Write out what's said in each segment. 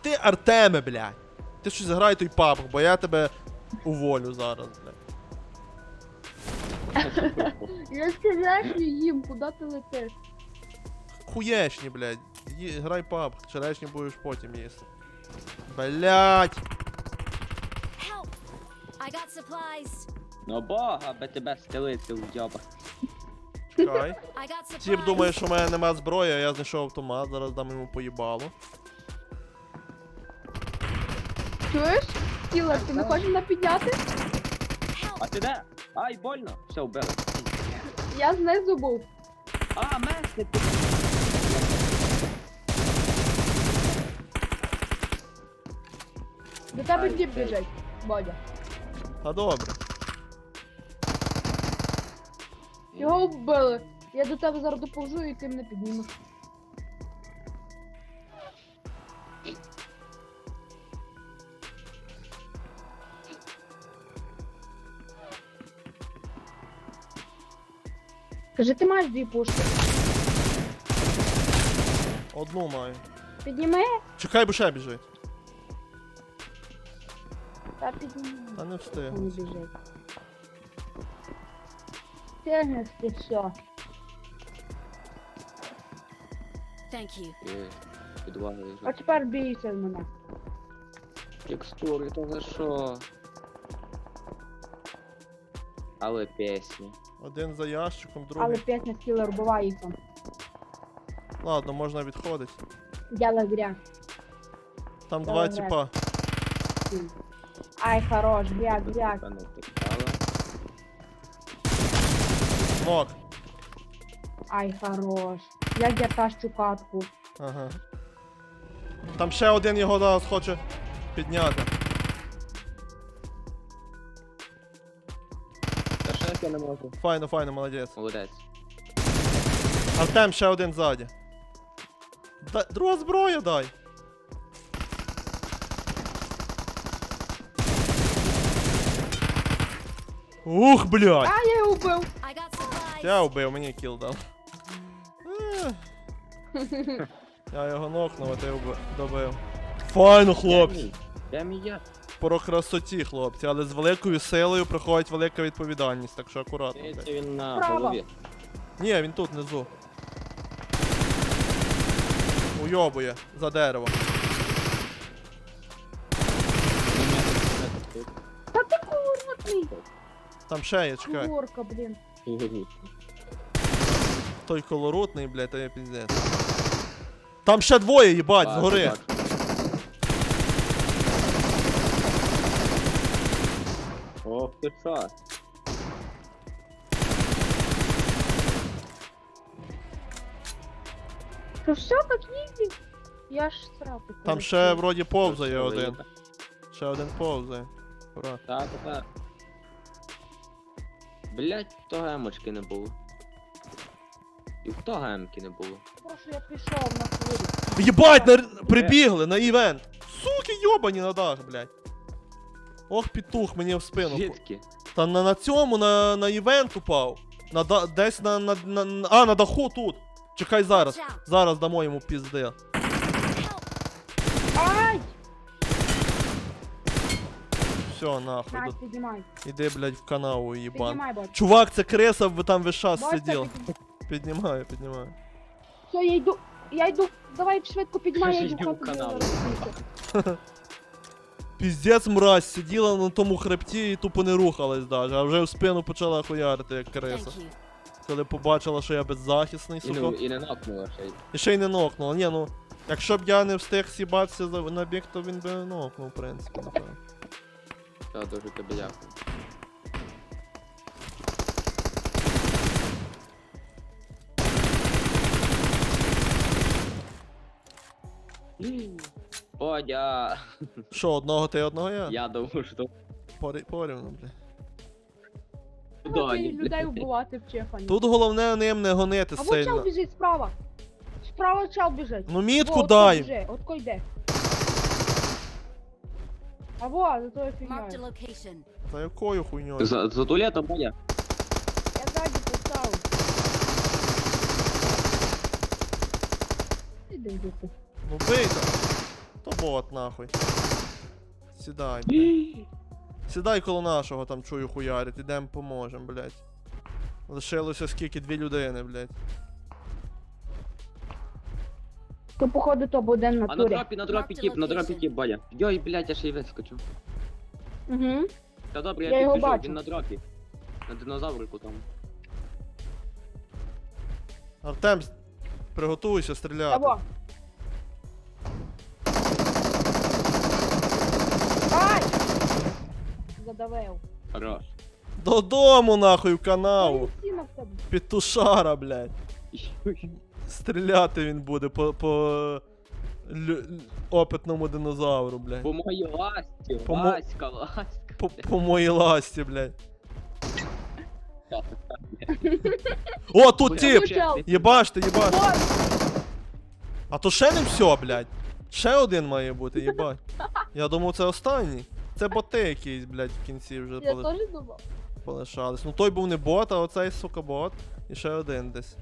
Ти Артеме, блядь. Ти щось грай той PUBG, бо я тебе уволю зараз, блядь. Я сказав їм, куди ти летиш? Хуєшні, блядь. Грай PUBG, черешні будеш потім їсти. Блядь. Help! I got supplies. Ну бога, би тебе стелити в дьоба. Чекай. I got supplies. Тіп думає, що в мене нема зброї, а я знайшов автомат, зараз дам йому поїбалу. Чуєш? Кілер, ти не хочеш мене підняти? А ти де? Ай, больно. Все, вбили. Я знизу був. А, месник ти. До тебе Ай, діп ей. біжить, Бодя. А добре. Його вбили. Я до тебе зараз доповжу і ти мене піднімеш. Кажи, ти маєш дві пушки. Одну маю. Підніми? Чекай, бо ще біжить. Та підніми. Та не встиг. Не біжить. Тягнеш ти все. Thank you. Підвалили. А тепер бійся з мене. Текстури, то за що? Але пісні. Один за ящиком, Але другий. п'ятня кілер буває їх там. Ладно, можна відходити. Дяла гря. Там Давай, два грай. тіпа. Ай, хорош, гряк, гряк. Певно, втекала. Нок. Ай, хорош. Як я тащу катку. Ага. Там ще один його зараз хоче підняти. Та ще я не можу. Файно, файно, молодець. Молодець. Артем ще один ззаді. Друга зброя дай. Ух, блядь! А, я його вбив. I got supplies. Я вбив, мені кіл дав. Я його нокнув, а ти добив. Файно, хлопці. Де мій я? Про красоті, хлопці, але з великою силою приходить велика відповідальність, так що акуратно. блядь. Це він на Справа. голові. Ні, він тут внизу. Уйобує за дерево. Та ти курнутий. Там ще є, чекай. Курка, блін. Той колоротний, блядь, то є піздець. Там ще двоє, їбать, згори. Ох ти що? Що все так ізі? Я ж сраку. Там ще вроді повзає один. Ще один повзає. Ура. Так, так. Блять, то гемочки не було. І в то гемки не було. Прошу, я пішов на хвилю. Єбать, прибігли на івент. Суки, йобані на дах, блядь. Ох, петух мені в спину. Звідки? Та на цьому, на івент упав. Десь на даху тут. Чекай зараз. Зараз дамо йому пізди. Help! Ай! Все, нахуй. Настя, піднімай. Іди, блядь, в канаву, їбан. Піднімай, бать. Чувак, це креса, ви там весь час Бачите, сидів. піднімай. Піднімаю, піднімаю. Все, я йду. Я йду. Давай швидко піднімай, я йду Йду в хату. канал. Піздець мразь, сиділа на тому хребті і тупо не рухалась даже, а вже в спину почала хуярити, як креса. Thank you. Коли побачила, що я беззахисний, І, ну, сука. і не нокнула ще й. І ще й не нокнула. Ні, ну, якщо б я не встиг сібатися на біг, то він би нокнув, в принципі, напевно. Та дуже тобі дякую. Бодя! Що, одного ти, одного я? Я думаю, що Порівну, бля. Доні, Людей вбивати в Чехані. Тут головне ним не гонити А вот чел сильно. біжить справа. Справа чел біжить. Ну мітку Во, дай! отко біжить, отко йде. А во, за тою Marked a фігньою. location. Та якою хуйньою? За туалетом, Бодя? Я ззаді поставив. Іди, дупу. Ну бийте. То бот, нахуй. Сідай, блядь. Сідай коло нашого, там чую хуярить, ідем поможем, блядь. Лишилося скільки, 2 людини, блядь. То походу то буде на А на турі. дропі, на дропі тіп, на дропі тіп, Бодя. Йой, блядь, я ще й вискочу. Угу. Та добре, Я я його підбіжу, бачу. він на дропі. На динозаврику там. Артем, приготуйся стріляти. Того. Ай! Задавив. Хорош. Додому, нахуй, в канаву. Ой, сіна в тебе. Петушара, блядь. Стріляти він буде по опитному динозавру, блядь. По моїй ласті, По ласька, ласька. По моїй ласті, блядь. О, тут тип! Єбаште, єбаште. Ой, А то ще не все, блядь. Ще один має бути, єбать. Я думав, це останній. Це боти якісь, блядь, в кінці вже я поли... теж думав. полишались. Ну той був не бот, а оцей, сука, бот. І ще один десь.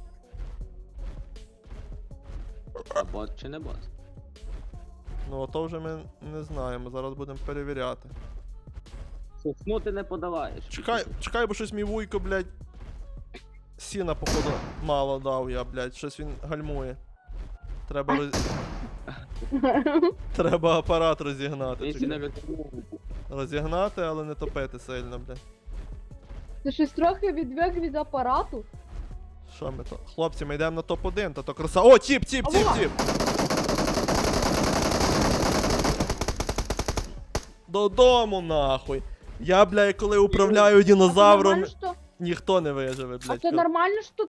А бот чи не бот? Ну, ото вже ми не знаємо, зараз будемо перевіряти. Сосну ти не подаваєш. Чекай, бо щось мій вуйко, блядь. Сіна, походу, мало дав я, блядь. Щось він гальмує. Треба Треба апарат розігнати. Він не Чекай. розуміє. Розігнати, але не топити сильно, блядь. Ти щось трохи відвик від апарату? Що ми то? Хлопці, ми йдемо на топ-1, та то краса. О, тіп! Алло! Додому, нахуй. Я, блядь, коли управляю динозавром, А це нормально, що... ніхто не виживе, А блядь. це нормально, що